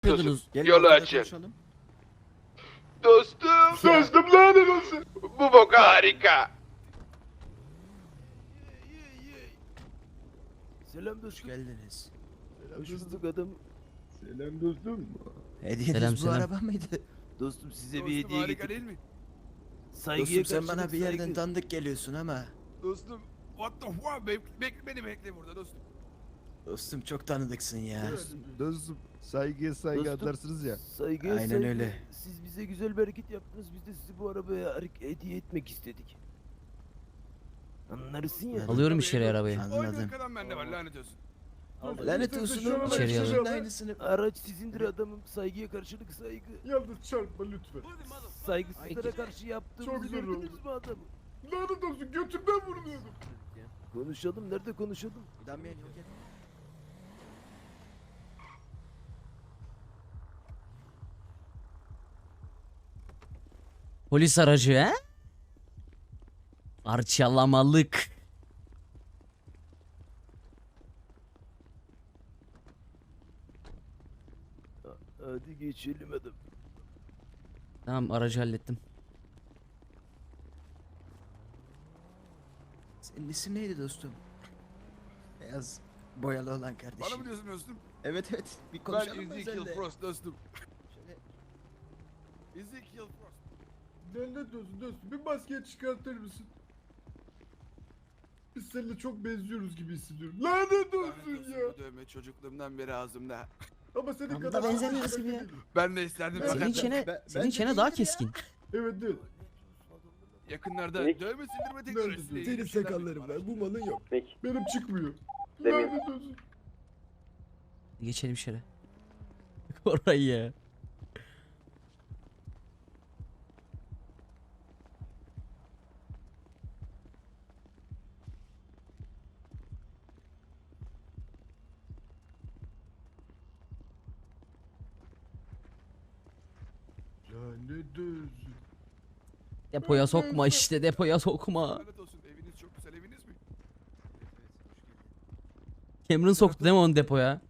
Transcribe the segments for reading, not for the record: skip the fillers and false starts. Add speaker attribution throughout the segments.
Speaker 1: yapıyordunuz?
Speaker 2: Yolu açın.
Speaker 3: Konuşalım.
Speaker 2: Dostum lanet olsun. Bu bok harika.
Speaker 4: Selam
Speaker 3: Hoş
Speaker 4: dostum.
Speaker 3: geldiniz.
Speaker 4: Hoş bulduk adam.
Speaker 5: Selam dostum.
Speaker 3: Hediyeniz
Speaker 1: Selam,
Speaker 3: bu
Speaker 1: selam.
Speaker 3: araba mıydı?
Speaker 4: Dostum size bir
Speaker 6: Dostum
Speaker 4: hediye
Speaker 6: harika
Speaker 4: getirdim.
Speaker 6: değil mi?
Speaker 4: Saygıya
Speaker 3: Dostum sen bana
Speaker 4: karşılık
Speaker 3: bir yerden
Speaker 4: saygı.
Speaker 3: tanıdık geliyorsun ama.
Speaker 6: Dostum what the fuck beni bekle burada dostum.
Speaker 3: Dostum çok tanıdıksın ya.
Speaker 5: Dostum saygıya saygı
Speaker 4: Dostum,
Speaker 5: atarsınız ya.
Speaker 4: Saygıya
Speaker 3: Aynen
Speaker 4: saygı.
Speaker 3: öyle.
Speaker 4: Siz bize güzel bir hareket yaptınız. Biz de sizi bu arabaya hediye etmek istedik. Anlarsın ya.
Speaker 1: Alıyorum içeri arabayı.
Speaker 3: Anladım.
Speaker 6: Aynı arkadan bende var lanet olsun.
Speaker 3: Lanet olsun oğlum.
Speaker 1: İçeri
Speaker 3: Çocuğun
Speaker 1: alayım.
Speaker 3: aynısını.
Speaker 4: Araç sizindir adamım. Saygıya karşılık saygı.
Speaker 5: Yalnız çarpma lütfen.
Speaker 4: Saygısızlara karşı yaptığımızı
Speaker 5: Çok zor
Speaker 4: gördünüz
Speaker 5: oldu.
Speaker 4: mü adamı?
Speaker 5: Lanet olsun götümden vuruluyordum.
Speaker 4: Konuşalım. Nerede konuşalım?
Speaker 3: Damian yok et.
Speaker 1: Polis aracı he? Parçalamalık.
Speaker 4: Hadi geçelim adam.
Speaker 1: Tamam, aracı hallettim.
Speaker 3: Senin isim neydi dostum? Beyaz boyalı olan
Speaker 6: Bana
Speaker 3: kardeşim.
Speaker 6: mı diyorsun dostum?
Speaker 3: Evet evet. Bir
Speaker 6: Ben
Speaker 3: konuşalım mı
Speaker 6: Ezekiel
Speaker 3: seninle?
Speaker 6: Frost dostum.
Speaker 3: Şöyle-
Speaker 6: Ezekiel Frost.
Speaker 5: Lanet olsun dostum bir maskeyi çıkartır mısın? Biz seninle çok benziyoruz gibi hissediyorum. Lanet
Speaker 6: Lanet
Speaker 5: olsun
Speaker 6: olsun
Speaker 5: ya.
Speaker 6: bu dövme çocukluğumdan beri ağzımda.
Speaker 5: Ama senin
Speaker 1: Ama
Speaker 5: kadar...
Speaker 1: da benzemiyoruz gibi ya.
Speaker 6: Ben de isterdim
Speaker 1: Senin
Speaker 6: fakat
Speaker 1: çene,
Speaker 5: ben-
Speaker 1: senin
Speaker 5: bence
Speaker 1: çene daha
Speaker 3: değildir ya.
Speaker 1: keskin.
Speaker 5: Evet evet.
Speaker 6: yakınlarda dövme sildirme teknolojisiyle ilgili
Speaker 5: Senin
Speaker 6: bir şeyler
Speaker 5: sakalların
Speaker 6: duydum
Speaker 5: var
Speaker 6: araştırdım.
Speaker 5: bu malın yok.
Speaker 2: Peki.
Speaker 5: Benim çıkmıyor.
Speaker 2: Demiyorum.
Speaker 5: Lanet olsun.
Speaker 1: Geçelim içeri. Orayı ya.
Speaker 5: Lanet olsun.
Speaker 1: Depoya sokma işte, depoya sokma.
Speaker 6: Lanet olsun eviniz çok güzel eviniz mi?
Speaker 1: Cameron soktu değil mi onu depoya?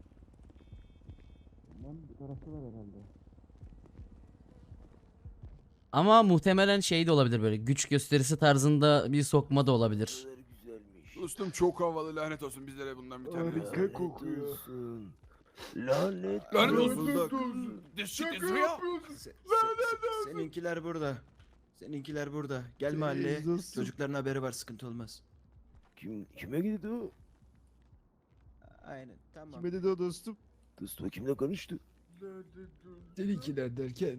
Speaker 1: Ama muhtemelen şey de olabilir, böyle güç gösterisi tarzında bir sokma da olabilir.
Speaker 4: Ne kadar güzelmiş.
Speaker 6: Dostum çok havalı lanet olsun bizlere bundan bir tane
Speaker 5: Harika.
Speaker 6: lazım.
Speaker 4: Lanet
Speaker 5: kokuyor.
Speaker 4: olsun. Lanet,
Speaker 6: Lanet
Speaker 4: olsun.
Speaker 5: olsun.
Speaker 6: This shit is
Speaker 5: Şaka
Speaker 6: real.
Speaker 5: yapıyorsun.
Speaker 3: Seninkiler burada. Seninkiler burada. Gel
Speaker 5: Senin
Speaker 3: mahalleye.
Speaker 5: dostum.
Speaker 3: Çocukların haberi var, sıkıntı olmaz.
Speaker 4: Kime gitti o?
Speaker 3: Aynen tamam.
Speaker 5: Kime dedi o dostum?
Speaker 4: Dostum kimle konuştu?
Speaker 5: Lanet olsun.
Speaker 7: Seninkiler derken.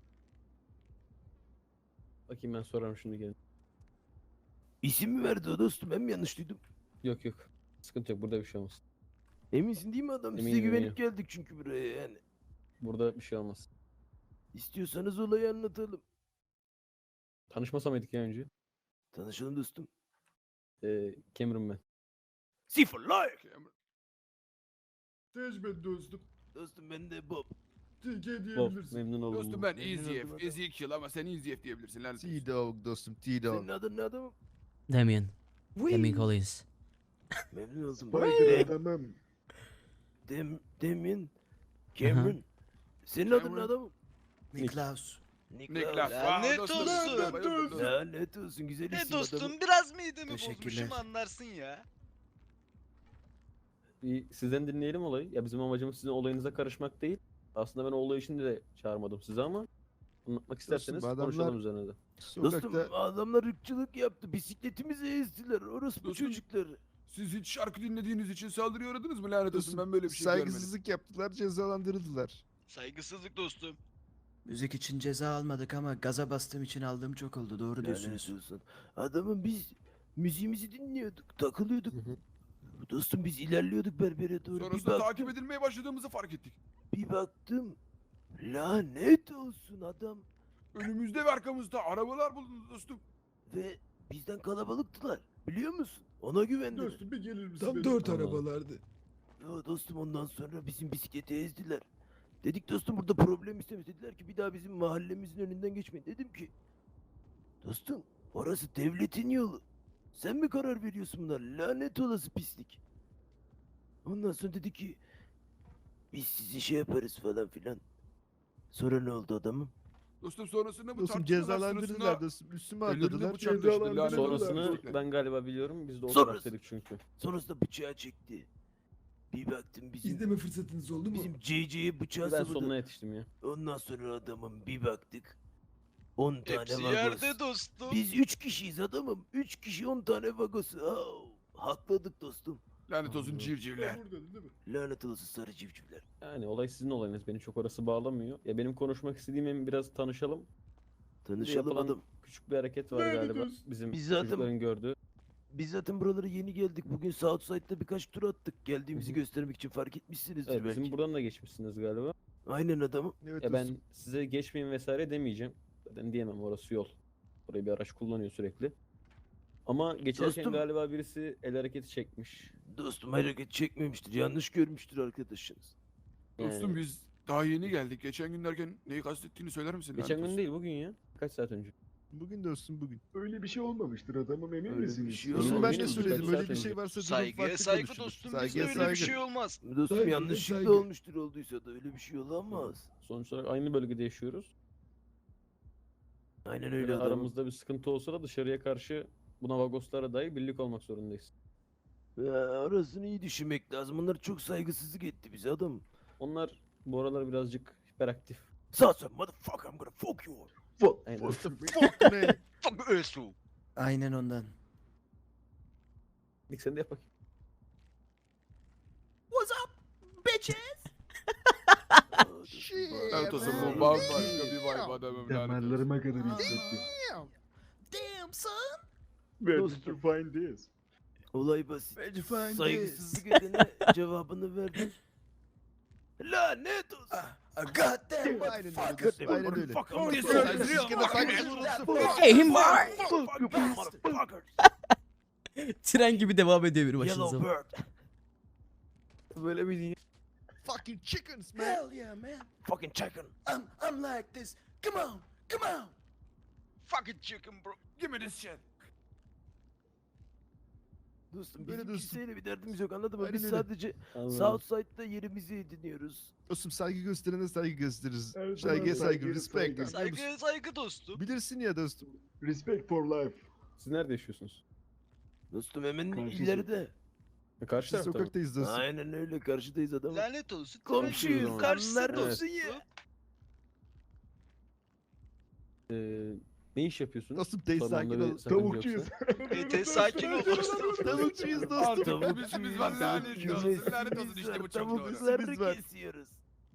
Speaker 8: Bakayım ben sorarım şimdi gelin.
Speaker 4: İsim mi verdi o dostum? Ben mi yanlış duydum?
Speaker 8: Yok yok. Sıkıntı yok, burada bir şey olmaz.
Speaker 4: Eminsin değil mi adam? Size
Speaker 8: Eminim,
Speaker 4: güvenip geldik çünkü buraya yani.
Speaker 8: Burada bir şey olmaz.
Speaker 4: İstiyorsanız olayı anlatalım.
Speaker 8: Tanışmasa mıydık ya önce?
Speaker 4: Tanışalım dostum.
Speaker 8: Cameron ben.
Speaker 4: Sıfır like.
Speaker 5: Tecrübe dostum.
Speaker 4: Dostum ben de Bob.
Speaker 5: Tilke
Speaker 8: Bob,
Speaker 5: diyebilirsin.
Speaker 8: memnun oldum.
Speaker 6: Dostum
Speaker 8: Bob.
Speaker 6: ben
Speaker 4: Memnun oldum
Speaker 6: Ezekiel,
Speaker 4: adam.
Speaker 6: Ezekiel ama sen Ezekiel diyebilirsin lanet olsun.
Speaker 5: T-Dog dostum T-Dog.
Speaker 4: Senin adın ne adamım?
Speaker 1: Damien. Damien Collins.
Speaker 4: Memnun oldum.
Speaker 5: Spider adamım.
Speaker 4: Demin. Cameron. Senin adın ne
Speaker 6: Cameron.
Speaker 4: adamım?
Speaker 3: Niklaus.
Speaker 6: Niklas.
Speaker 9: Lanet
Speaker 6: Dostum,
Speaker 9: olsun.
Speaker 6: bayıldım dostum.
Speaker 4: Lanet olsun güzel
Speaker 9: Ne
Speaker 4: isim
Speaker 9: dostum
Speaker 4: adamım.
Speaker 9: biraz midemi
Speaker 3: Teşekkürler.
Speaker 9: bozmuşum anlarsın ya.
Speaker 8: Bir sizden dinleyelim olayı. Ya bizim amacımız sizin olayınıza karışmak değil. Aslında ben o olay için de çağırmadım sizi ama anlatmak isterseniz
Speaker 5: bu adamlar-
Speaker 8: konuşalım üzerine de.
Speaker 4: Dostum
Speaker 5: Sokakta
Speaker 4: adamlar ırkçılık yaptı. Bisikletimizi ezdiler. Orası bu
Speaker 6: Dostum,
Speaker 4: çocukları.
Speaker 6: Siz hiç şarkı dinlediğiniz için saldırıya uğradınız mı lanet olsun ben böyle bir şey görmedim.
Speaker 5: saygısızlık yaptılar cezalandırıldılar.
Speaker 9: Saygısızlık dostum.
Speaker 3: Müzik için ceza almadık ama gaza bastığım için aldığım çok oldu. Doğru
Speaker 4: Lanet
Speaker 3: diyorsunuz.
Speaker 4: olsun. Adamın biz müziğimizi dinliyorduk. Takılıyorduk.
Speaker 8: Hı hı.
Speaker 4: Dostum biz ilerliyorduk berbere doğru.
Speaker 6: Sonrasında takip edilmeye başladığımızı fark ettik.
Speaker 4: Bir baktım. Lanet olsun adam.
Speaker 6: Önümüzde ve arkamızda arabalar buldunuz dostum.
Speaker 4: Ve bizden kalabalıktılar. Biliyor musun? Ona güvendiler.
Speaker 5: Dostum bir gelir misin?
Speaker 7: Tam
Speaker 5: benim?
Speaker 7: 4
Speaker 8: Tamam.
Speaker 7: arabalardı.
Speaker 4: Ya dostum ondan sonra bizim bisikleti ezdiler. Dedik dostum burada problem istemiş. Dediler ki bir daha bizim mahallemizin önünden geçmeyin. Dedim ki dostum orası devletin yolu. Sen mi karar veriyorsun bunlar? Lanet olası pislik. Ondan sonra dedi ki Biz sizi şey yaparız falan filan. Sonra ne oldu adamım?
Speaker 6: Dostum sonrasında bu
Speaker 5: Dostum
Speaker 6: tartışmalar
Speaker 5: cezalandırırlar
Speaker 6: sırasında
Speaker 5: dostum. Üstüme
Speaker 6: ellerinde
Speaker 5: atladılar.
Speaker 6: bıçak taşıdı lanet olası.
Speaker 8: Sonrasını ben galiba biliyorum. Biz de o
Speaker 4: Sonrası-
Speaker 8: taraftaydık çünkü.
Speaker 4: Sonrasında bıçağı çekti. Bir baktım
Speaker 5: Sizde mi fırsatınız oldu mu?
Speaker 4: bizim CC'ye bıçağı
Speaker 8: Ben
Speaker 4: sapladı.
Speaker 8: sonuna yetiştim ya.
Speaker 4: Ondan sonra adamım bir baktık. 10 tane
Speaker 9: Hepsi
Speaker 4: vagoz.
Speaker 9: yerde dostum.
Speaker 4: Biz 3 kişiyiz adamım. 3 kişi 10 tane vagosu. Hakladık dostum.
Speaker 6: Lanet olsun civcivler.
Speaker 5: Burada değil mi?
Speaker 4: Lanet olası sarı civcivler.
Speaker 8: Yani olay sizin olayınız. Beni çok orası bağlamıyor. Ya benim konuşmak istediğim hem biraz tanışalım. Bir de
Speaker 4: Tanışalım
Speaker 8: yapılan
Speaker 4: adam.
Speaker 8: küçük bir hareket var
Speaker 5: Lanet
Speaker 8: galiba.
Speaker 5: olsun.
Speaker 8: Bizim
Speaker 4: Biz zaten-
Speaker 8: çocukların gördüğü.
Speaker 4: Biz zaten buralara yeni geldik. Bugün Southside'da birkaç tur attık. Geldiğimizi
Speaker 8: Hı hı.
Speaker 4: göstermek için fark etmişsinizdir
Speaker 8: Evet,
Speaker 4: belki.
Speaker 8: bizim buradan da geçmişsiniz galiba.
Speaker 4: Aynen adamım.
Speaker 5: Evet
Speaker 8: Ya
Speaker 5: dostum.
Speaker 8: ben size geçmeyin vesaire demeyeceğim. Zaten diyemem, orası yol. Orayı bir araç kullanıyor sürekli. Ama geçerken
Speaker 4: Dostum-
Speaker 8: galiba birisi el hareketi çekmiş.
Speaker 4: Dostum hareket çekmemiştir. Yanlış görmüştür arkadaşınız.
Speaker 6: Dostum
Speaker 8: Yani
Speaker 6: biz daha yeni geldik. Geçen gün derken neyi kastettiğini söyler misin?
Speaker 8: geçen
Speaker 6: lanet
Speaker 8: gün
Speaker 6: olsun?
Speaker 8: değil, bugün ya. Kaç saat önce?
Speaker 5: Bugün dostum bugün.
Speaker 2: Öyle bir şey olmamıştır adamım emin
Speaker 4: Öyle bir
Speaker 2: misiniz?
Speaker 4: şey
Speaker 5: Dostum
Speaker 8: Yok,
Speaker 5: ben
Speaker 8: benim
Speaker 5: de
Speaker 8: birkaç
Speaker 5: söyledim
Speaker 8: saat
Speaker 5: öyle bir şey
Speaker 8: önce.
Speaker 5: varsa durum
Speaker 9: Saygıya
Speaker 5: farklı
Speaker 9: saygı
Speaker 5: konuşulur.
Speaker 9: dostum. Bizde
Speaker 5: Saygıya
Speaker 9: öyle bir
Speaker 5: saygı.
Speaker 9: şey olmaz.
Speaker 4: Dostum
Speaker 2: Saygı,
Speaker 4: yanlışlıkla
Speaker 2: saygı.
Speaker 4: olmuştur olduysa da öyle bir şey olamaz.
Speaker 8: Sonuç olarak aynı bölgede yaşıyoruz.
Speaker 4: Aynen
Speaker 8: Böyle
Speaker 4: öyle adamım.
Speaker 8: aramızda bir sıkıntı olsa da dışarıya karşı buna vagoslara dahi birlik olmak zorundayız.
Speaker 4: Orasını iyi düşünmek lazım. Onlar çok saygısızlık etti bize adam.
Speaker 8: Onlar bu aralar birazcık hiperaktif.
Speaker 4: Sasa motherfucker I'm gonna fuck you.
Speaker 8: Aynen.
Speaker 5: Fuck man.
Speaker 9: Fuck Özsu.
Speaker 3: Aynen ondan.
Speaker 8: İlk sen de yap bakayım.
Speaker 6: Lanet olsun bu bambaşka bir vibe adamım lanet olsun.
Speaker 2: Damarlarıma kadar hissettim.
Speaker 3: Damn son.
Speaker 2: Where did you find this?
Speaker 4: Olay basit.
Speaker 3: Where'd you find
Speaker 4: Saygısızlık edene cevabını verdim. Lanet olsun.
Speaker 3: Goddamn
Speaker 5: Aynen öyle
Speaker 3: motherfucker.
Speaker 5: dostum. Aynen öyle.
Speaker 4: Fuck you.
Speaker 5: Saygısızlık ede saygısız olursun.
Speaker 1: Hey him var.
Speaker 4: Fuck you motherfuckers.
Speaker 1: Tren gibi devam ediyor bir başınıza.
Speaker 4: Yellow bird.
Speaker 8: Böyle bir dünya.
Speaker 5: Fucking chickens man.
Speaker 3: Hell yeah man.
Speaker 4: Fucking chicken.
Speaker 3: I'm like this. Come on. Come on.
Speaker 9: Fucking chicken bro.
Speaker 6: Give me this shit.
Speaker 4: Dostum
Speaker 5: Böyle
Speaker 4: bizim
Speaker 5: dostum.
Speaker 4: kimseyle bir derdimiz yok anladın mı?
Speaker 5: Aynen
Speaker 4: Biz
Speaker 5: öyle.
Speaker 4: sadece
Speaker 8: Anladım.
Speaker 4: Southside'da yerimizi ediniyoruz.
Speaker 5: Dostum saygı gösterene saygı gösteririz.
Speaker 2: Evet,
Speaker 5: Saygıya
Speaker 2: tamam,
Speaker 5: saygı,
Speaker 2: saygı,
Speaker 5: respect.
Speaker 2: saygı.
Speaker 5: anlıyor musun?
Speaker 9: Saygıya saygı dostum.
Speaker 5: Bilirsin ya dostum.
Speaker 2: Respect for life.
Speaker 8: Siz nerede yaşıyorsunuz?
Speaker 4: Dostum hemen
Speaker 2: Karşısı.
Speaker 4: ileride.
Speaker 8: Karşı
Speaker 5: Biz
Speaker 8: tarafta mı?
Speaker 5: sokaktayız dostum.
Speaker 4: Aynen öyle karşıdayız adam.
Speaker 9: Lanet olsun.
Speaker 4: Komşuyuz,
Speaker 9: Komşuyuz. Karşısı
Speaker 4: anlar
Speaker 9: dostum.
Speaker 4: olsun ya.
Speaker 8: Ne iş yapıyorsunuz?
Speaker 5: Dostum teyze
Speaker 8: Sormamda
Speaker 5: sakin
Speaker 8: bir
Speaker 5: ol.
Speaker 8: sakınca
Speaker 2: Tavukçuyuz.
Speaker 8: yoksa.
Speaker 9: Sakin ol dostum.
Speaker 5: Tavukçuyuz dostum.
Speaker 6: Artık
Speaker 4: Tavuk
Speaker 6: bizim var lanet
Speaker 4: yiyoruz,
Speaker 6: olsun. Lanet olsun
Speaker 4: biz
Speaker 6: işte
Speaker 4: var,
Speaker 6: bu çok doğru.
Speaker 4: Tavukları
Speaker 5: Biz var.
Speaker 4: kesiyoruz.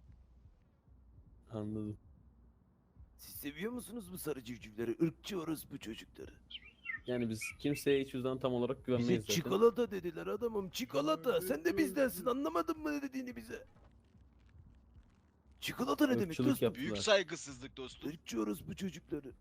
Speaker 8: Anladım.
Speaker 4: Siz seviyor musunuz bu sarı civcivleri? Irkçı orospu çocukları.
Speaker 8: Yani biz kimseye hiç yüzden tam olarak
Speaker 4: Bize
Speaker 8: güvenmeyiz zaten.
Speaker 4: çikolata dediler adamım. Çikolata. Sen de bizdensin. Anlamadın mı ne dediğini bize? Çikolata ne demek
Speaker 8: Irkçılık
Speaker 4: dostum?
Speaker 8: yaptılar.
Speaker 9: Büyük saygısızlık dostum.
Speaker 4: Irkçı orospu çocukları.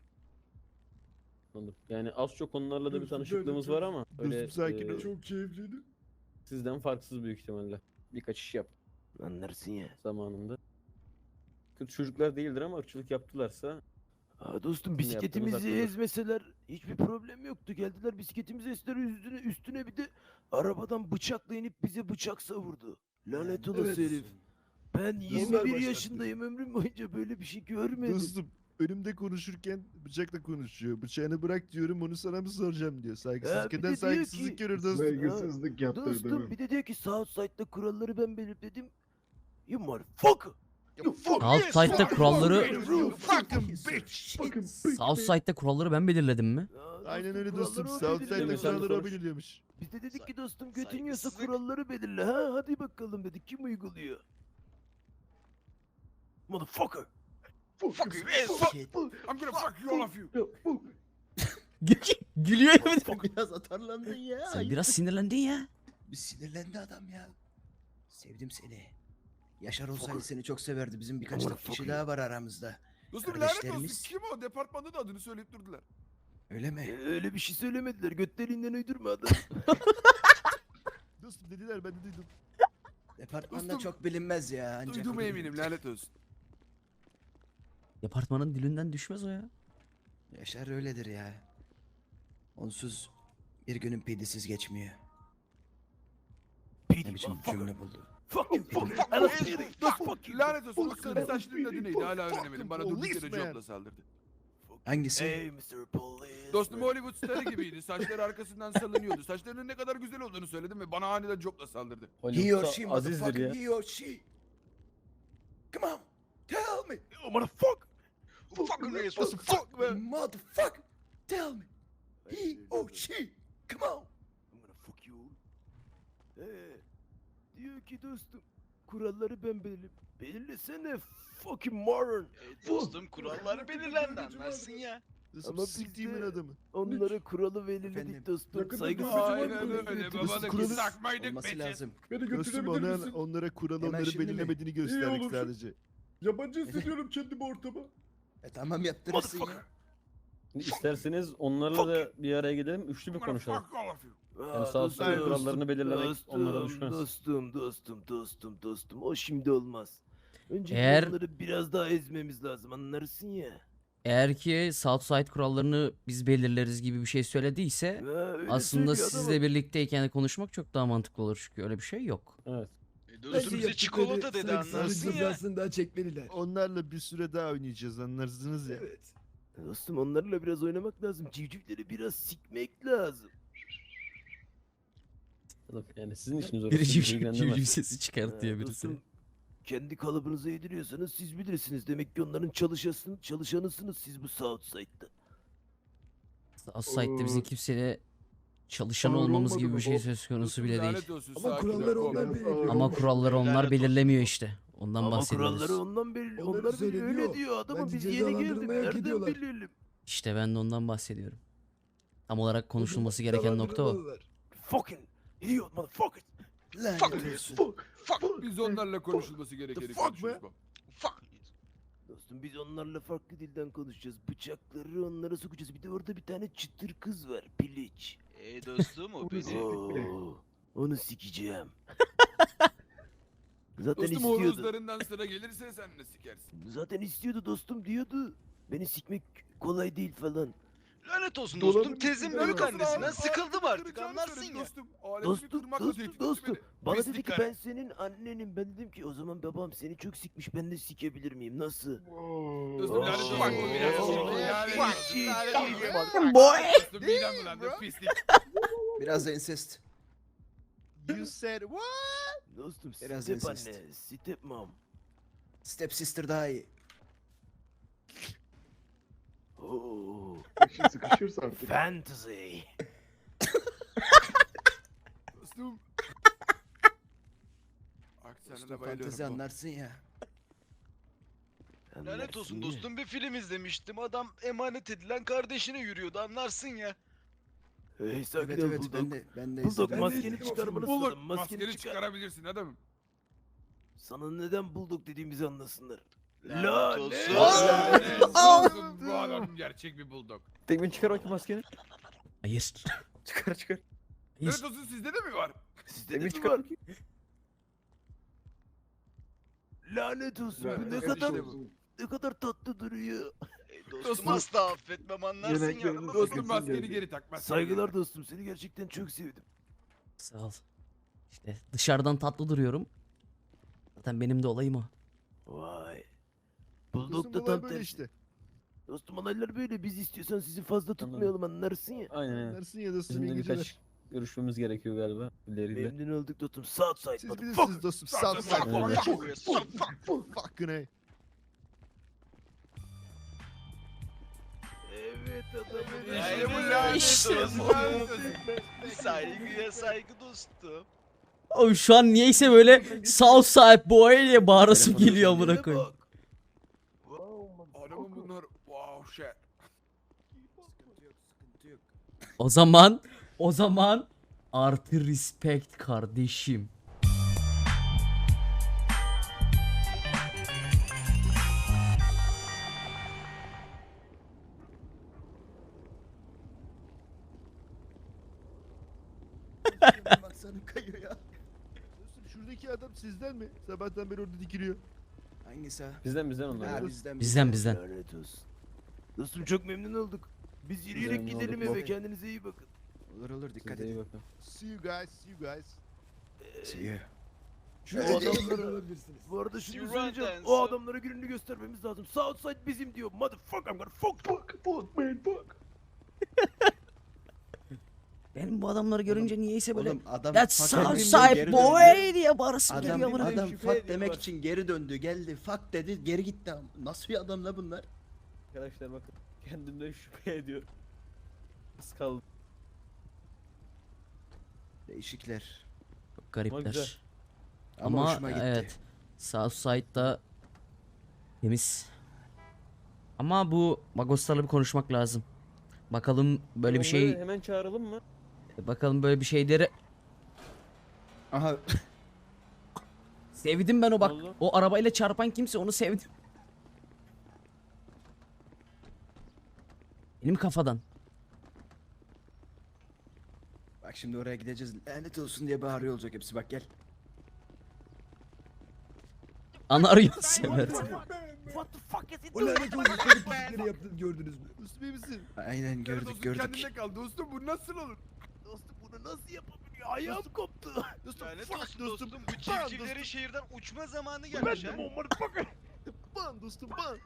Speaker 8: Anladım. Yani az çok onlarla da bir
Speaker 5: Dostum,
Speaker 8: tanışıklığımız
Speaker 5: böyle
Speaker 8: var ama öyle
Speaker 5: Dostum sakin ol.
Speaker 2: Çok keyifliydi.
Speaker 8: sizden farksız büyük ihtimalle. Birkaç iş yap
Speaker 4: Anlarsın ya.
Speaker 8: zamanında. Kötü çocuklar değildir ama ırkçılık yaptılarsa
Speaker 4: Aa dostum
Speaker 8: Sizin yaptığınız
Speaker 4: bisikletimizi
Speaker 8: haklıdır.
Speaker 4: ezmeseler hiçbir problem yoktu. Geldiler bisikletimizi ezdiler üstüne bir de arabadan bıçakla inip bize bıçak savurdu. Lanet olası herif. Ben 21
Speaker 2: başlattı.
Speaker 4: yaşındayım ömrüm boyunca böyle bir şey görmedim.
Speaker 5: Dostum önümde konuşurken bıçakla konuşuyor. Bıçağını bırak diyorum onu sana mı soracağım diyor.
Speaker 4: bir
Speaker 5: Saygısızlık
Speaker 4: de
Speaker 5: eden
Speaker 4: diyor
Speaker 5: saygısızlık
Speaker 4: ki-
Speaker 5: görür dostum.
Speaker 2: Saygısızlık yaptırdı.
Speaker 4: Dostum bir de diyor ki Southside'da kuralları ben belirledim. You motherfucker.
Speaker 2: You fuck
Speaker 1: Outside'da kuralları
Speaker 5: Fucking bitch.
Speaker 2: Fucking
Speaker 1: Southside'da kuralları ben belirledim mi?
Speaker 4: Aa,
Speaker 5: Aynen
Speaker 4: dostum,
Speaker 5: öyle dostum.
Speaker 4: kuralları o
Speaker 5: Southside'da
Speaker 4: belirliyor.
Speaker 8: Sen
Speaker 5: kuralları o
Speaker 8: konuş.
Speaker 5: belirliyormuş.
Speaker 4: Biz de dedik ki dostum
Speaker 9: Say-
Speaker 4: götün yiyorsa
Speaker 9: saygısızlık.
Speaker 4: kuralları belirle ha hadi bakalım dedik kim uyguluyor? Motherfucker.
Speaker 9: Fuck you.
Speaker 3: Shit.
Speaker 6: I'm gonna fuck you all of you.
Speaker 1: Gülüyor ya bir de.
Speaker 3: Biraz atarlandın ya.
Speaker 1: Sen biraz sinirlendin ya.
Speaker 3: Bir sinirlendi adam ya. Sevdim seni. Yaşar olsaydı seni çok severdi. Bizim birkaç da kişi daha var aramızda.
Speaker 6: Dostum lanet olsun.
Speaker 3: Kardeşlerimiz.
Speaker 6: Kim o? Departmanda da adını söyleyip durdular.
Speaker 3: Öyle mi?
Speaker 4: Öyle bir şey söylemediler götlerinden uydurma adam.
Speaker 5: Dostum dediler ben de duydum.
Speaker 3: Departmanda
Speaker 6: Dostum,
Speaker 3: çok bilinmez ya. Ancak
Speaker 6: Duyduğuma
Speaker 3: o
Speaker 6: eminim lanet olsun.
Speaker 1: Departmanın dilinden düşmez o ya.
Speaker 3: Yaşar öyledir ya. Onsuz bir günün pidisiz geçmiyor. Ne biçim cümle buldu.
Speaker 4: Fuck you.
Speaker 9: Fuck you.
Speaker 6: Fuck you. Lanet olsun o sarı
Speaker 2: Fuck
Speaker 6: saçlının adı neydi? Hala öğrenemedim. Bana durduk yere
Speaker 5: policeman.
Speaker 6: jobla saldırdı.
Speaker 3: Hangisi?
Speaker 4: Hey Mr. Police.
Speaker 6: Dostum Hollywood starı gibiydi. Saçları arkasından salınıyordu. Saçlarının ne kadar güzel olduğunu söyledim ve bana aniden jobla saldırdı.
Speaker 3: He or
Speaker 8: Hollywood'da
Speaker 3: she
Speaker 8: Aziz'dir ya.
Speaker 3: motherfucker. He or she. Come on. Tell me.
Speaker 4: Oh motherfucker.
Speaker 9: Fucking reis.
Speaker 3: Fuck me. Motherfucker. Tell me. He or she. Come on.
Speaker 4: I'm gonna fuck you. Diyor ki dostum kuralları ben belirlesene fucking moron.
Speaker 9: Dostum kurallar belirlendi anlarsın ya.
Speaker 5: Dostum
Speaker 4: Ama
Speaker 5: siktiğimin
Speaker 4: bizde-
Speaker 5: adamı.
Speaker 4: Onlara kuralı belirledik
Speaker 3: Efendim?
Speaker 4: dostum. Saygısızlık
Speaker 6: Aynen
Speaker 4: yapmayın.
Speaker 6: öyle.
Speaker 5: Dostum,
Speaker 6: Babadaki
Speaker 5: kuralı-
Speaker 6: sakmaydık
Speaker 3: Olması
Speaker 6: bitches.
Speaker 3: lazım.
Speaker 2: Beni
Speaker 5: Dostum
Speaker 2: götürebilir misin?
Speaker 5: onlara kural
Speaker 3: Hemen
Speaker 5: onları
Speaker 3: şimdi mi?
Speaker 5: belirlemediğini
Speaker 2: İyi
Speaker 5: gösterdik
Speaker 2: olur.
Speaker 5: sadece.
Speaker 2: Yabancı hissediyorum kendimi ortama.
Speaker 3: Tamam yaptırırsın ya.
Speaker 8: Şimdi İsterseniz onlarla da bir araya gidelim. Üçlü bir konuşalım.
Speaker 6: Fuck all of you.
Speaker 8: Yani sağ sol kurallarını belirlemek onlara düşmez.
Speaker 4: Dostum. O şimdi olmaz. Önce
Speaker 1: Eğer-
Speaker 4: onları biraz daha ezmemiz lazım anlarsın ya.
Speaker 1: Eğer ki Southside kurallarını biz belirleriz gibi bir şey söylediyse
Speaker 4: Ha, öyle
Speaker 1: aslında
Speaker 4: söylüyor
Speaker 1: sizle
Speaker 4: adam.
Speaker 1: birlikteyken konuşmak çok daha mantıklı olur çünkü öyle bir şey yok.
Speaker 8: Evet.
Speaker 9: Dostum bize çikolata dedi anlarsın ya.
Speaker 4: daha çekmeliler.
Speaker 5: Onlarla bir süre daha oynayacağız anlarsınız ya.
Speaker 4: Evet. Dostum onlarla biraz oynamak lazım. Civcivleri biraz sikmek lazım.
Speaker 8: Yani sizin işiniz orası.
Speaker 1: Biri
Speaker 8: bizi
Speaker 1: civciv
Speaker 8: ilgilendirmez.
Speaker 1: sesi çıkartıyor birisi.
Speaker 4: Dostum kendi kalıbınıza yediriyorsanız siz bilirsiniz. Demek ki onların çalışanısınız siz bu Southside'da.
Speaker 1: Southside'de bizim kimseyle çalışan
Speaker 2: Ağır
Speaker 1: olmamız
Speaker 2: olmadı
Speaker 1: gibi
Speaker 2: mı
Speaker 1: bir şey
Speaker 2: bu?
Speaker 1: söz konusu
Speaker 6: Dostum,
Speaker 1: bile değil.
Speaker 6: lanet olsun,
Speaker 4: Ama
Speaker 6: sakin
Speaker 4: kuralları
Speaker 6: ol.
Speaker 4: onlar belirliyor.
Speaker 1: Ama kuralları onlar
Speaker 9: Lanet olsun.
Speaker 1: belirlemiyor işte. Ondan
Speaker 4: Ama
Speaker 1: bahsediyoruz.
Speaker 4: kuralları ondan belli.
Speaker 7: Onları
Speaker 4: Onlar bile öyle
Speaker 7: söyleniyor.
Speaker 4: diyor adamım
Speaker 7: Bence
Speaker 4: biz yeni
Speaker 7: cezalandırılmayı
Speaker 4: geldik.
Speaker 7: hak
Speaker 4: Nereden
Speaker 7: ediyorlar.
Speaker 4: bilelim?
Speaker 1: İşte ben de ondan bahsediyorum. Tam olarak konuşulması gereken nokta o.
Speaker 4: Fucking idiot motherfucker.
Speaker 3: Lanet
Speaker 9: Fuck
Speaker 3: olsun.
Speaker 9: Fuck.
Speaker 6: Biz onlarla konuşulması gerekeni
Speaker 5: fuck
Speaker 6: konuşuruz. bak.
Speaker 9: Fuck.
Speaker 4: Dostum biz onlarla farklı dilden konuşacağız. Bıçakları onlara sokacağız. Bir de orada bir tane çıtır kız var. Piliç.
Speaker 9: Dostum o benim.
Speaker 4: Oo, onu sikeceğim. Zaten
Speaker 6: Dostum
Speaker 4: istiyordu.
Speaker 6: horozlarından sıra gelirse sen de sikersin.
Speaker 4: Zaten istiyordu dostum diyordu. Beni sikmek kolay değil falan.
Speaker 9: Lanet olsun
Speaker 2: Dolabın
Speaker 9: dostum. Tezin
Speaker 2: içinde
Speaker 9: büyük
Speaker 2: var.
Speaker 9: annesinden sıkıldım artık
Speaker 6: Kıracağını
Speaker 9: anlarsın
Speaker 6: söyledi
Speaker 9: ya.
Speaker 6: Dostum, aleti bir
Speaker 4: Dostum,
Speaker 6: kırmakla
Speaker 4: dostum,
Speaker 6: tehdit
Speaker 4: dostum.
Speaker 6: etti
Speaker 4: Bana
Speaker 9: Pislik
Speaker 4: dedi ki
Speaker 9: karı.
Speaker 4: ben senin annenim. Ben dedim ki o zaman babam seni çok sikmiş. Ben de sikebilir miyim? Nasıl?
Speaker 6: beni. Dostum lanet olsun.
Speaker 9: Fuck.
Speaker 6: bu biraz
Speaker 4: Oo.
Speaker 6: şimdi yani.
Speaker 4: Fuck.
Speaker 6: Dostum midem bulandı pislik.
Speaker 3: Biraz da incest.
Speaker 5: You said what?
Speaker 4: Dostum
Speaker 3: Biraz
Speaker 4: step
Speaker 3: incest.
Speaker 4: anne, step mom.
Speaker 3: Step sister daha iyi.
Speaker 4: Oo,
Speaker 2: İşin sıkışırsa artık.
Speaker 4: fantasy.
Speaker 6: Dostum. Aksanına
Speaker 3: Dostum
Speaker 6: bayılıyorum.
Speaker 3: fantezi anlarsın ya.
Speaker 9: Lanet
Speaker 4: Anlarsın
Speaker 9: olsun
Speaker 4: ya.
Speaker 9: dostum bir film izlemiştim. Adam emanet edilen kardeşine yürüyordu anlarsın ya.
Speaker 4: Hey sakin
Speaker 3: Evet
Speaker 4: ol
Speaker 3: evet
Speaker 4: Bulldog.
Speaker 3: ben de
Speaker 4: Bulldog
Speaker 3: izledim.
Speaker 4: maskeni çıkarmanı
Speaker 6: Bulduk.
Speaker 4: istedim. Maskeni
Speaker 6: Maskeni
Speaker 4: çıkar.
Speaker 6: çıkarabilirsin adamım.
Speaker 4: Sana neden Bulldog dediğimizi anlasınlar.
Speaker 9: Lanet olsun.
Speaker 6: Lanet olsun, bu adam gerçek bir bulldog.
Speaker 8: Tekmin çıkar bakayım maskeni.
Speaker 1: Hayır.
Speaker 8: Çıkar çıkar.
Speaker 1: Hayır.
Speaker 6: Lanet olsun sizde de mi var?
Speaker 4: Sizde de
Speaker 8: Tekmin
Speaker 4: mi
Speaker 8: çıkar
Speaker 4: var?
Speaker 8: bakayım.
Speaker 4: Lanet olsun. Bu
Speaker 2: Lanet
Speaker 4: ne
Speaker 2: olsun.
Speaker 4: kadar ne kadar tatlı duruyor.
Speaker 9: Dostum
Speaker 6: Dostum.
Speaker 9: asla affetmem anlarsın ya.
Speaker 2: Yemekleriniz
Speaker 6: Dostum
Speaker 2: Sakınsın
Speaker 6: maskeni
Speaker 2: geldi.
Speaker 6: geri tak. maskeni
Speaker 4: Saygılar
Speaker 6: geri tak.
Speaker 4: dostum. Seni gerçekten çok sevdim.
Speaker 1: Sağ ol. İşte dışarıdan tatlı duruyorum. Zaten benim de olayım o.
Speaker 4: Vay.
Speaker 5: Dostum
Speaker 4: Bulldog da
Speaker 5: olay
Speaker 4: tam
Speaker 5: böyle
Speaker 4: tersi.
Speaker 5: işte.
Speaker 4: Dostum olaylar böyle. Biz istiyorsan sizi fazla tutmayalım anlarsın ya.
Speaker 8: Aynen aynen.
Speaker 5: Anlarsın ya dostum
Speaker 8: Bizim
Speaker 5: iyi
Speaker 8: de
Speaker 5: geceler.
Speaker 8: birkaç görüşmemiz gerekiyor galiba. İleriyle.
Speaker 4: Memnun olduk dostum. Southside
Speaker 5: Siz
Speaker 4: motherfucker.
Speaker 5: bilirsiniz dostum.
Speaker 6: Fuck,
Speaker 5: Sağ
Speaker 6: fuck,
Speaker 5: fuck
Speaker 8: fuck,
Speaker 5: fuck
Speaker 9: fuck, fuck,
Speaker 5: fuck fuck fucking hey.
Speaker 4: Evet adamım.
Speaker 9: İşte bu
Speaker 6: lanet
Speaker 9: lanet
Speaker 1: İşte
Speaker 9: olsun.
Speaker 1: bu.
Speaker 9: Lanet olsun. Saygıya saygı dostum.
Speaker 1: Oğlum şu an niyeyse böyle Southside boy diye bağırasım geliyor amına koyayım.
Speaker 4: Bak.
Speaker 6: Adamın bunlar wow shit.
Speaker 3: Sıkıntı yok sıkıntı yok.
Speaker 1: O zaman artı respect kardeşim.
Speaker 3: Baksana kayıyor ya.
Speaker 5: Dostum şuradaki adam sizden mi? Sabahtan beri orada dikiliyor.
Speaker 3: Hangisi ha?
Speaker 8: Bizden onlar.
Speaker 3: Ha
Speaker 8: ya.
Speaker 1: Bizden.
Speaker 4: Lanet olsun. Dostum çok memnun olduk. Biz yürüyerek
Speaker 8: Memnun
Speaker 4: gidelim
Speaker 8: olduk,
Speaker 4: eve.
Speaker 8: baba.
Speaker 4: Kendinize iyi bakın.
Speaker 3: Olur olur dikkat
Speaker 8: Size iyi
Speaker 3: edin.
Speaker 8: bakın.
Speaker 5: See you guys, see you guys.
Speaker 3: See you.
Speaker 4: Şu
Speaker 3: Öyle
Speaker 4: adamlara bu arada şunu
Speaker 9: You
Speaker 4: söyleyeceğim.
Speaker 9: run
Speaker 4: O
Speaker 9: dance.
Speaker 4: adamlara gününü göstermemiz lazım. Southside bizim diyor. Motherfucker I'm gonna fuck.
Speaker 2: Fuck man fuck.
Speaker 1: Benim bu adamları görünce niyeyse böyle
Speaker 3: Oğlum adam
Speaker 1: That's
Speaker 3: fuck demeyince
Speaker 1: Southside
Speaker 3: geri
Speaker 1: boy
Speaker 3: döndü.
Speaker 1: diye bağırasım
Speaker 3: Adam,
Speaker 1: geliyor bana.
Speaker 3: adam
Speaker 8: Şüphe
Speaker 3: fuck
Speaker 8: ediyor
Speaker 3: demek
Speaker 8: bak.
Speaker 3: için geri döndü. Geldi fuck dedi geri gitti. Nasıl bir adam la bunlar?
Speaker 8: Arkadaşlar bakın kendimden şüphe ediyorum. Az kaldı.
Speaker 3: Değişikler.
Speaker 1: Çok garipler.
Speaker 8: güzel.
Speaker 3: Ama, hoşuma gitti.
Speaker 1: evet. Southside'da temiz. Ama bu Magoslarla bir konuşmak lazım. Bakalım böyle bir
Speaker 8: Onları
Speaker 1: şey,
Speaker 8: hemen çağıralım mı?
Speaker 1: bakalım böyle bir şeyleri
Speaker 3: Aha
Speaker 1: sevdim ben o bak.
Speaker 8: Vallahi.
Speaker 1: O arabayla çarpan kimse onu sevdim. Benim kafadan.
Speaker 3: bak şimdi oraya gideceğiz. Lanet olsun diye bağırıyor olacak hepsi bak gel.
Speaker 1: Ana arıyor Semer.
Speaker 4: What the fuck is it
Speaker 5: O
Speaker 4: doing?
Speaker 5: lanet olsun çocuk pislikleri yaptığını gördünüz mü? Dostum iyi misin?
Speaker 3: Aynen gördük
Speaker 6: Dostum
Speaker 3: gördük.
Speaker 6: kendinde kal. Dostum bu nasıl olur?
Speaker 4: Dostum bunu nasıl yapabiliyor? Ayağım koptu.
Speaker 6: Dostum
Speaker 9: Lanet
Speaker 6: fuck
Speaker 9: olsun
Speaker 6: dostum.
Speaker 9: dostum. Bu
Speaker 6: Ban
Speaker 9: civcivlerin şehirden uçma zamanı
Speaker 4: Ben
Speaker 9: gelmiş
Speaker 4: de
Speaker 9: ha.
Speaker 4: o motherfucker.
Speaker 5: Ban dostum ban.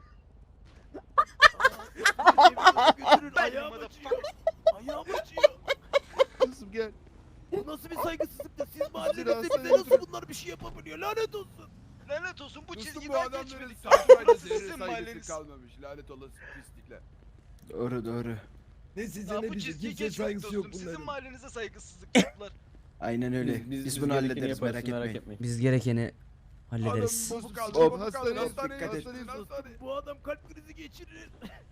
Speaker 4: Götürün
Speaker 9: Ben
Speaker 4: ayağım
Speaker 9: de
Speaker 4: acıyor. Ayağım acıyor.
Speaker 5: Dostum gel.
Speaker 4: Bu nasıl bir saygısızlıktır? Siz mahallenizde
Speaker 5: Biraz
Speaker 4: bize
Speaker 5: sonra
Speaker 4: nasıl bunlar bir şey yapabiliyor? Lanet olsun.
Speaker 9: Lanet olsun bu
Speaker 6: Dostum bu
Speaker 9: çizgiden
Speaker 6: adamların
Speaker 9: geçmedik.
Speaker 6: saçmayla
Speaker 9: Burası
Speaker 6: zerre
Speaker 9: sizin
Speaker 6: saygısı
Speaker 9: mahalleniz.
Speaker 6: kalmamış. Lanet olası pislikler.
Speaker 3: Doğru doğru.
Speaker 5: Ne size
Speaker 9: Ya
Speaker 5: ne
Speaker 9: bu
Speaker 5: bize
Speaker 9: çizgiyi
Speaker 5: kimseye
Speaker 9: geçmedik
Speaker 5: saygısı yok
Speaker 9: dostum. Sizin
Speaker 5: bunların.
Speaker 9: mahallenize saygısızlık yaptılar.
Speaker 3: Aynen öyle. Biz bunu
Speaker 8: gerekeni
Speaker 3: hallederiz
Speaker 8: yaparız,
Speaker 3: merak etmeyin.
Speaker 1: Biz gerekeni
Speaker 6: Adam
Speaker 1: hallederiz.
Speaker 6: bozuk kaldı.
Speaker 5: Hop,
Speaker 6: Bozuk kaldı.
Speaker 5: hastaneye
Speaker 6: Hastaneye
Speaker 3: dikkat et.
Speaker 6: hastaneye hastaneye.
Speaker 4: Bu adam kalp krizi geçirir.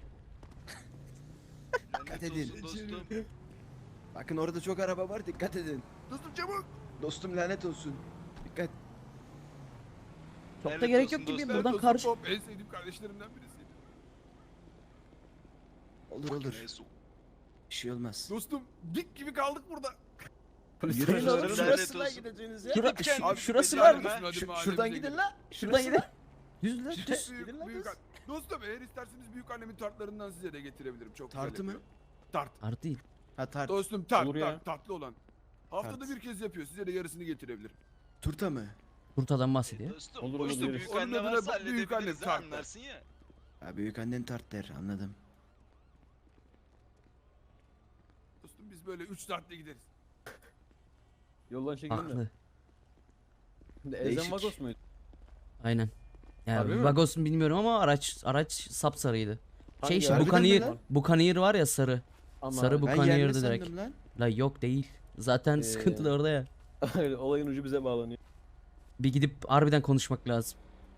Speaker 9: Lanet
Speaker 3: edin.
Speaker 9: olsun dostum.
Speaker 3: Bakın orada çok araba var dikkat edin.
Speaker 6: Dostum çabuk.
Speaker 3: Dostum lanet olsun. Dikkat.
Speaker 1: Çok da
Speaker 9: Lanet
Speaker 1: gerek
Speaker 9: olsun
Speaker 1: yok gibi
Speaker 9: dostum.
Speaker 1: buradan
Speaker 6: Dostum
Speaker 1: karşı.
Speaker 6: Bob en sevdiğim kardeşlerimden birisiydi.
Speaker 3: Olur olur.
Speaker 9: Neyse.
Speaker 3: Bir şey olmaz.
Speaker 6: Dostum dik gibi kaldık burada.
Speaker 3: Yürüyün oğlum
Speaker 9: Lanet
Speaker 3: şurasına
Speaker 9: olsun.
Speaker 3: gideceğiniz ya.
Speaker 1: Şura,
Speaker 9: Gidip
Speaker 1: şu-
Speaker 9: kendim
Speaker 1: şurası
Speaker 9: gideceğim
Speaker 1: var mı?
Speaker 9: ha.
Speaker 6: Hadi
Speaker 3: Şuradan
Speaker 6: mahallemize
Speaker 3: gidin
Speaker 6: gidelim.
Speaker 3: la.
Speaker 1: Şuradan
Speaker 3: Şurası.
Speaker 1: gidin. Düz lan. düz.
Speaker 6: Büyük an- Dostum eğer isterseniz büyük annemin tartlarından size de getirebilirim. Çok güzel
Speaker 3: Tartı mı?
Speaker 6: yapıyor. Tart.
Speaker 1: Artı değil.
Speaker 3: Ha tart.
Speaker 6: Dostum tart,
Speaker 8: Olur ya.
Speaker 6: tart, tatlı olan. Haftada
Speaker 3: Tart.
Speaker 6: bir kez yapıyor. Size de yarısını getirebilirim.
Speaker 3: Turta mı?
Speaker 1: Turtadan bahsediyor.
Speaker 9: Dostum,
Speaker 8: Olur, olur,
Speaker 9: dostum
Speaker 8: yeriz.
Speaker 9: büyük
Speaker 6: Onun
Speaker 9: anne
Speaker 6: adına
Speaker 9: varsa
Speaker 6: büyük anne
Speaker 9: halledebiliriz ha,
Speaker 6: tartlar.
Speaker 9: anlarsın ya.
Speaker 3: Ha büyük annen tart der anladım.
Speaker 6: Dostum biz böyle 3 saatte gideriz.
Speaker 8: Yoldan çekelim de.
Speaker 1: Haklı.
Speaker 8: Ezen
Speaker 3: Değişik.
Speaker 8: Vagos muydu?
Speaker 1: Aynen.
Speaker 8: Harbi
Speaker 1: Yani
Speaker 8: mi?
Speaker 1: Vagos'un bilmiyorum ama araç sapsarıydı. Şey işte
Speaker 8: Hangi
Speaker 3: Harbiden mi
Speaker 1: Buccaneer,
Speaker 3: lan?
Speaker 1: Buccaneer var ya sarı.
Speaker 8: Ama
Speaker 1: Sarı bu
Speaker 3: Ben yerli
Speaker 1: Buccaneer'dı direkt.
Speaker 3: sandım lan.
Speaker 1: La yok değil. Zaten sıkıntı da orada ya.
Speaker 8: olayın ucu bize bağlanıyor.
Speaker 1: Bir gidip harbiden konuşmak lazım.